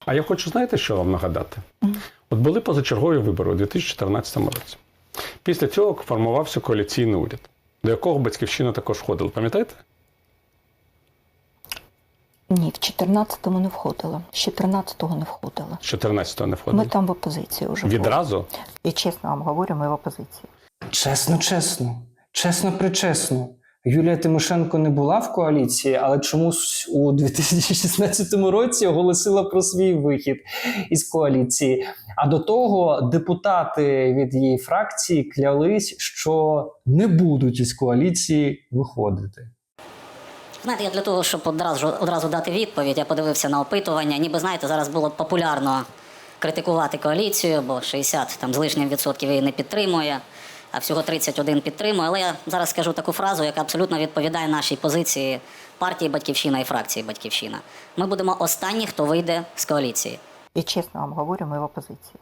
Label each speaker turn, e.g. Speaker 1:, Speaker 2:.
Speaker 1: А я хочу, знаєте, що вам нагадати? От були позачергові вибори у 2014 році. Після цього формувався коаліційний уряд, до якого Батьківщина також входила. Пам'ятаєте?
Speaker 2: Ні, в 14-му не входила. З 14-го не входила.
Speaker 1: З 14-го не входила?
Speaker 2: Ми там в опозиції вже були.
Speaker 1: Відразу?
Speaker 2: І чесно вам говорю, ми в опозиції.
Speaker 3: Чесно. Чесно-причесно. Юлія Тимошенко не була в коаліції, але чомусь у 2016 році оголосила про свій вихід із коаліції. А до того депутати від її фракції клялись, що не будуть із коаліції виходити.
Speaker 4: Знаєте, я для того, щоб одразу дати відповідь, я подивився на опитування. Ніби, знаєте, зараз було популярно критикувати коаліцію, бо 60 там, з лишнім відсотків її не підтримує, а всього 31 підтримує. Але я зараз скажу таку фразу, яка абсолютно відповідає нашій позиції партії «Батьківщина» і фракції «Батьківщина». Ми будемо останні, хто вийде з коаліції.
Speaker 2: І чесно вам говорю, ми в опозиції.